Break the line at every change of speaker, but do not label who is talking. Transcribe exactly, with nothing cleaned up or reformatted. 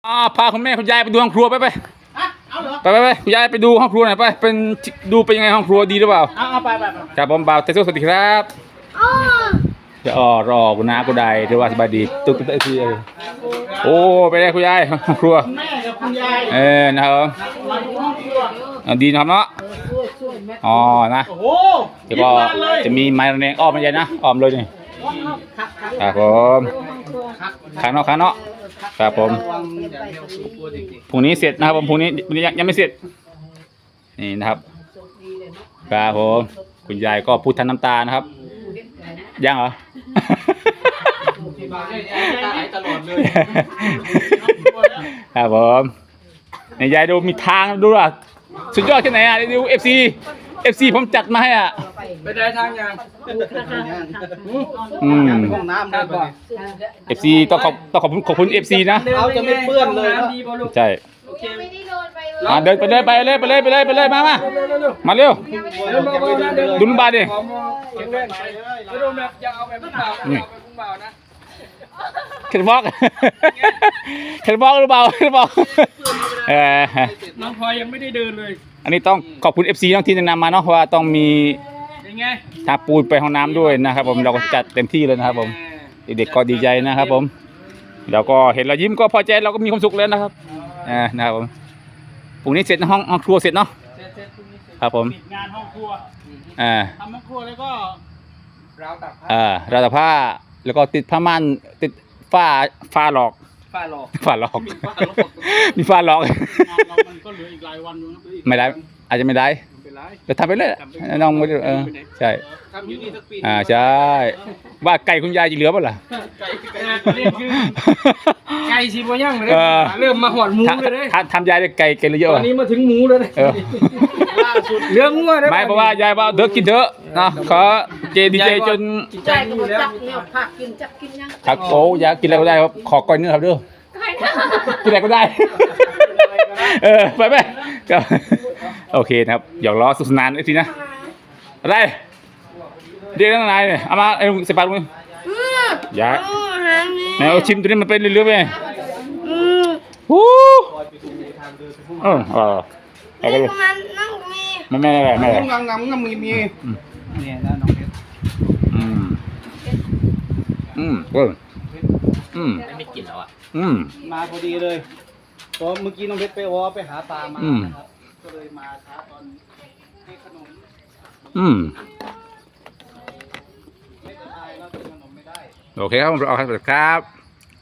อ่าพาคุณแม่คุณยายไปดูห้องครัวไปไป
เอาเหรอ
ไปไปไปคุณยายไปดูห้องครัวหน่อยไปเป็นดูเป็นยังไงห้องครัวดีหรือเปล่า
เอาเอาไปไปไป
ครับผมบ่าวเตโซสวัสดีครับจะอ๋อรอคุณน้าคุณใดหรือว่าสบายดีตุ๊กตุ๊กตุ๊กทีเออโอ้ไปได้คุณยายห้องครัว
แม่กับคุณยาย
เออนะครับ
มาดูห้องครัว
เอาดีนะครับเนาะอ๋อนะ
โอ้โห
เดี๋ยวก็จะมีไม้ระแนงอ้อมมันใหญ่นะอ้อมเลยนี่ครับผมข้างนอกข้างนอกครับผมพรุ่งนี้เสร็จนะครับผมพรุ่งนี้ยังยังไม่เสร็จนี่นะครับครับผมคุณยายก็พูดทันน้ำตานะครับยังเหรอ
ตลอดเลย
ครับผมนี่ยายดูมีทางดูอ่ะสุดยอดแค่ไหนอ่ะดูเอฟซีเอฟซีผมจัดมาให้อ่ะ
ไปได้ทางยัง
อืม
ห้องน้ำเลยก่อน
เอฟซีต้องขอบต้องขอบคุณขอบคุณเอฟซีนะ
เขาจะไม่เปื้อนเลยนะ
ใช่
ไม่ได้โดนไปเลย
อ่าเดินไปเลยไปเลยไปเลยไปเลยไปเลยมามามาเร็ว
เดินเบาๆนะเดิน
ดุนบาดิ
แข็งแรงไปเลยไม่โดนแบบอย่าเอาแบบพุ่งเบาอย่าเอาแบบพุ่งเบานะ
เข็นบอกเข็นบอกหรือเปล่าเข็นบอกเออ
น้องพลอยยังไม่ได้เดินเลย
อันนี้ต้องขอบคุณ เอฟ ซี น้องที่แนะนำมาเนาะว่าต้องมี
ยังไง
ทาปูนไปห้องน้ำด้วยนะครับผมเราก็จัดเต็มที่เลยนะครับผมเด็กๆก็ดีใจนะครับผมแล้วก็เห็นเรายิ้มก็พอใจเราก็มีความสุขแล้วนะครับอ่านะครับผมพรุ่งนี้เสร็จห้องห้องครัวเสร็จเนาะ
เสร็จๆพรุ่งนี้เสร็จ
ครับผม
ปิดงานห้องครัว
อ่า
ทำห้องครัวแล้วก็ราวตักผ้า
อ่าราวตากผ้าแล้วก็ติดผ้าม่านติดฝ้าฝ้าหลอก
ฝ้าหลอก
ฝ้าหลอก
มีฝ้าหลอก
มีฝ้าหลอก
งานเรามันก็เหลืออีกหลายวันอยู่นะ
ไม่ได้อาจจะไม่ได้
ไม่เป็นไร
จะทำไปเลยน้องไม่ได้เออใช่
ทำอยู่นี่สักปี
อ่าใช่ว่าไก่คุณยายจะเหลือเปล่าล่ะ
ไก่ไก่ประเด็นคือไก่ชีบย่างเลย
เออ
เริ่มมาหอดหมูเลยเด้
ทำทำยายได้ไก่ไก่เหลือเย
ต
อะ
อน
วะ
นี้มาถึงหมูแล้วเด้
เออ
ล่าสุดเรื่องงัวเด้
ไม่เพราะว่ายายว่าเด้อกินเถอะนะขอเจดีเจจน
ใจ
ใจ
ดี
ก็
แล้ว
จับเนี่ยผักกินจับกินยัง
ครับโอ้อยากกินอะไรก็ได้ครับขอก้อยเนื้อครับเด้อ
ใครนะ
กินอะไรก็ได้ เออไปไปก็โอเคนะครับหยอกล้อสุขสนานไอ้ทีนะอะไรเรียกนั่งไหนเนี่ยเอามาไอ้เสปาลุงอย่าไหนเอาชิมตัวนี้มันเป็นเรื่อยๆไปฮู้เออเออเอาไปเลย
มันนั่งมี
ไม่ไม่ไม่ไม่
งงงงงมีมีเนี่ยนะน้องเพชร
อืมอืมเอออืม
ไม่กินแล้วอ่ะ
อืม
มาพอดีเลยเพราะเมื่อกี้น้องเพชรไปวอไปหาปลามา
อืม
นะครับก็เลยมาช้าตอนให้ขนม
อืม
ไม่สบายแล้วกินขนมไม่ได้
โอเคครับผมเอาครับครับ